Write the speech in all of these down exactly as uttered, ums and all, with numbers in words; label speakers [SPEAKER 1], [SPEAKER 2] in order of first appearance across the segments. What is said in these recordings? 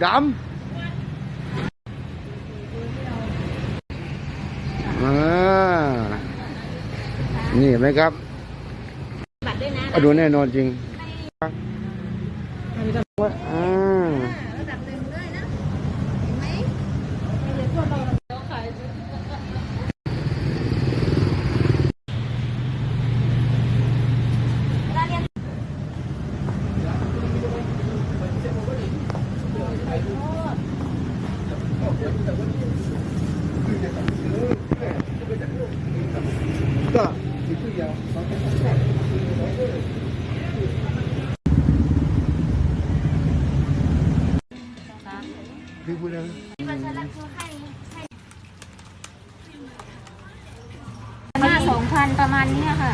[SPEAKER 1] ดำอ่านี่เห็นไหมครับดูแน่นอนจริงว่าอ่าก็พี่พูดแล้ว
[SPEAKER 2] ห้าสองพันประมาณนี้ค่ะ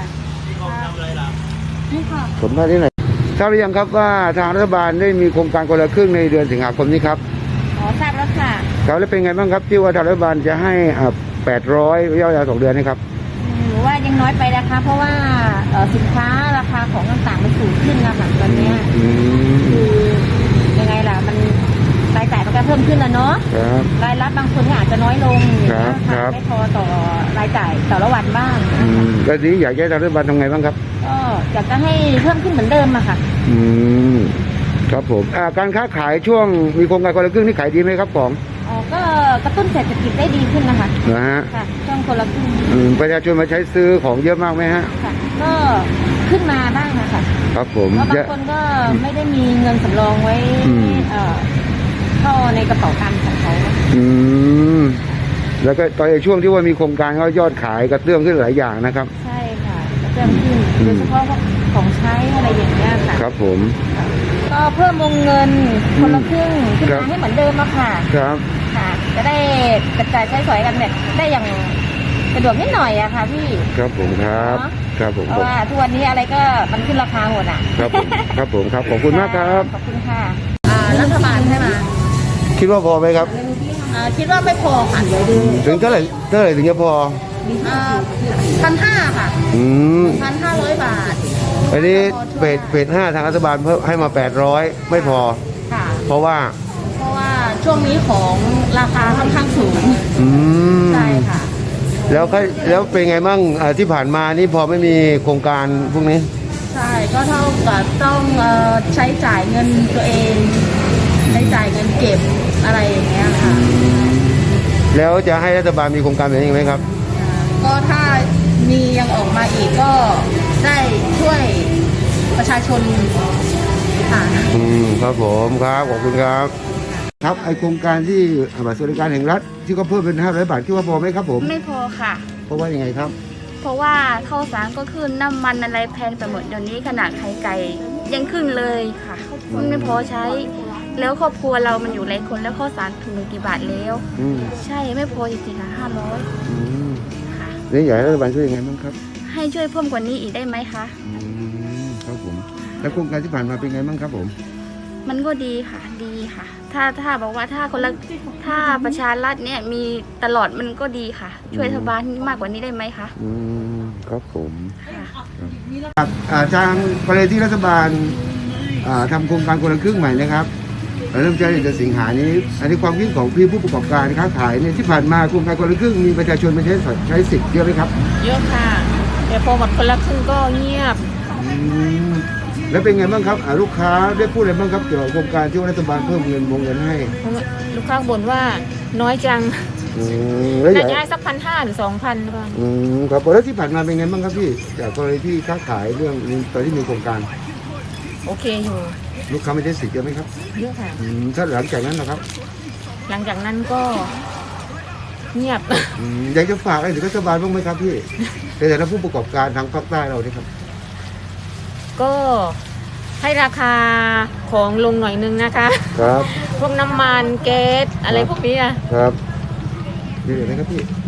[SPEAKER 2] นี่ค่ะ
[SPEAKER 1] ผมได้ที่ไหนทราบหรือยังครับว่าทางรัฐบาลได้มีโครงการคนละครึ่งในเดือนสิงหาคมนี้ครับ
[SPEAKER 2] อ๋อทราบแล้วค่ะ
[SPEAKER 1] ครับแล้วเป็นไงบ้างครับที่ว่าทางรัฐบาลจะให้อ่าแปดร้อยระยะเวลาสองเดือนนะครับ
[SPEAKER 2] หรือว่ายังน้อยไปนะคะเพราะว่าสินค้าราคาของต่างๆมันสูงขึ้นนะคะตอนนี้คือยังไงล่ะมันรายจ่ายมันก็เพิ่มขึ้นแล้วเนาะรายรับบางคนก็อาจจะน้อยลงนะคะไม่พอต่อรายจ่ายต่อละวันบ้าง
[SPEAKER 1] ก็นี้อยากให้ทางรัฐบาลทำไงบ้างครับ
[SPEAKER 2] ก็อยากจะให้เพิ่มขึ้นเหมือนเดิมอะค่ะ
[SPEAKER 1] อืมครับผมการค้าขายช่วงมีโครงการคนละครึ่งนี่ขายดีไหมครับของ
[SPEAKER 2] อ๋อก็กระตุ้นเศรษฐกิจได้ดีขึ้นนะคะ
[SPEAKER 1] นะฮะ
[SPEAKER 2] ค่ะช่วงคนละครึ่ง
[SPEAKER 1] ประชาชนมาใช้ซื้อของเยอะมากไหมฮะ
[SPEAKER 2] ค่ะก็ขึ้นมาบ้างนะคะ
[SPEAKER 1] ครับผม
[SPEAKER 2] บางคนก็ไม่ได้มีเงินสำรองไว้เข้าในกระเป๋าตังค์ของเขา
[SPEAKER 1] อืมแล้วก็ตอนช่วงที่ว่ามีโครงการก็ยอดขายกระเตื้องขึ้นหลายอย่างนะครับ
[SPEAKER 2] ใช่ค่ะกระเตื้องขึ้นโดยเฉพาะของใช้อะไรอย่างเงี้ยค่ะ
[SPEAKER 1] ครับผม
[SPEAKER 2] ก็เพิ่มวงเงินคนละครึ่งขึ้นมาให้เหมือนเดิมอะค่ะ
[SPEAKER 1] ครับ
[SPEAKER 2] ค่ะจะได้กระจายใช้สอยกันเนี่ยได้อย่างสะดวกนิดหน่อยอะค่ะพี่
[SPEAKER 1] ครับผมครับครับผม
[SPEAKER 2] เพราะว่าทุกวันนี้อะไรก็มันขึ้นราคาหมดอะ
[SPEAKER 1] ครับผมครับผมครับขอบคุณมากครับ
[SPEAKER 2] ขอบคุณค่ะรัฐบาลให้มา
[SPEAKER 1] คิดว่าพอไหมครับ
[SPEAKER 2] คิดว่าไม่พอค่ะ
[SPEAKER 1] ถึงเท่าไหร่เท่าไหร่ถึงจะพอ
[SPEAKER 2] พันห้าค่ะ
[SPEAKER 1] อืม
[SPEAKER 2] พันห้าร้อยบาท
[SPEAKER 1] อันนี้เฟสเฟสห้าทางรัฐบาลเพิ่มให้มาแปดร้อยไม่พอ
[SPEAKER 2] ค่ะ
[SPEAKER 1] เพราะว่า
[SPEAKER 2] เพราะว่าช่วงนี้ของราคาค่อนข้างสูง
[SPEAKER 1] อืม
[SPEAKER 2] ใช่ค่ะ
[SPEAKER 1] แล้วก็แล้วเป็นไงบ้างที่ผ่านมานี่พอไม่มีโครงการพวกนี้
[SPEAKER 2] ใช่ก็เท่ากับต้องใช้จ่ายเงินตัวเองใช้จ่ายเงินเก็บอะไรอย่างเงี้ยค่ะ
[SPEAKER 1] แล้วจะให้รัฐบาลมีโครงการแบบนี้ไหมครับ
[SPEAKER 2] ก็ถ้ามียังออกมาอีกก็ได้ช่วยประชาชนค่ะ
[SPEAKER 1] อืมครับผมครับขอบคุณครับครับไอโครงการที่บัตรสวัสดิการแห่งรัฐที่เขาเพิ่มเป็นห้าร้อยบาทคิดว่าพอไหมครับผม
[SPEAKER 3] ไม่พอค่ะ
[SPEAKER 1] เพราะว่ายังไงครับ
[SPEAKER 3] เพราะว่าข้าวสารก็ขึ้นน้ำมันอะไรแพงไปหมดเดี๋ยวนี้ขนาดไข่ไก่ยังขึ้นเลยค่ะมันไม่พอใช้แล้วครอบครัวเรามันอยู่หลายคนแล้วข้าวสารถุงกี่บาทแล้วใช่ไม่พอจริงๆค่ะห้าร้อย
[SPEAKER 1] ค่ะนี่อยากให้รัฐบาลช่วยยังไงบ้างครับ
[SPEAKER 3] ให้ช่วยเพิ่มกว่านี้อีกได้ไหมคะ
[SPEAKER 1] ครับผมแล้วโครงการที่ผ่านมาเป็นไงบ้างครับผม
[SPEAKER 3] มันก็ดีค่ะดีค่ะถ้าถ้าบอกว่าถ้าคนละถ้าประชารัฐเนี่ยมีตลอดมันก็ดีค่ะช่วยรัฐบาลมากกว่านี้ได้ไหมคะ
[SPEAKER 1] อืมครับผมครับทางกรณีที่รัฐบาลทำโครงการคนละครึ่งใหม่นะครับเริ่มใช้ในเดือนสิงหานี้อันนี้ความคิดของพี่ผู้ประกอบการค้าขายเนี่ยที่ผ่านมาโครงการคนละครึ่งมีประชาชนมาใช้ใช้สิทธิ์เยอะไหมครับ
[SPEAKER 2] เยอะค่ะแต่พอหมดคนละครึ่งก็เงียบ
[SPEAKER 1] แล้วเป็นไงบ้างครับลูกค้าได้พูดอะไรบ้างครับเกี่ยวกับโครงการที่รัฐบาลเพิ่มเงินวงเงินให้
[SPEAKER 2] ลูกค้าบ่นว่าน้อยจังน่าจะให้สักพันห้าหรือสองพันก็
[SPEAKER 1] อืมครับแล้วที่ผ่านมาเป็นไงบ้างครับพี่จากกรณีที่ค้าขายเรื่องตอนที่มีโครงการ
[SPEAKER 2] โอเคอยู่
[SPEAKER 1] ลูกค้าไม่ได้สิทธิ์เยอะไหมครับ
[SPEAKER 2] เยอะค่ะ
[SPEAKER 1] ถ้าหลังจากนั้นนะครับ
[SPEAKER 2] หลังจากนั้นก็เงียบ
[SPEAKER 1] อยากจะฝากอะไรถึงรัฐบาลบ้างไหมครับพี่ในฐานะผู้ประกอบการทางภาคใต้เราเนี่ยครับ
[SPEAKER 2] ก็ให้ราคาของลงหน่อยนึงนะคะ
[SPEAKER 1] ครับ
[SPEAKER 2] พวกน้ำมันแก๊สอะไรพวกนี้อ่ะ
[SPEAKER 1] ครับดีเลยนะครับพี่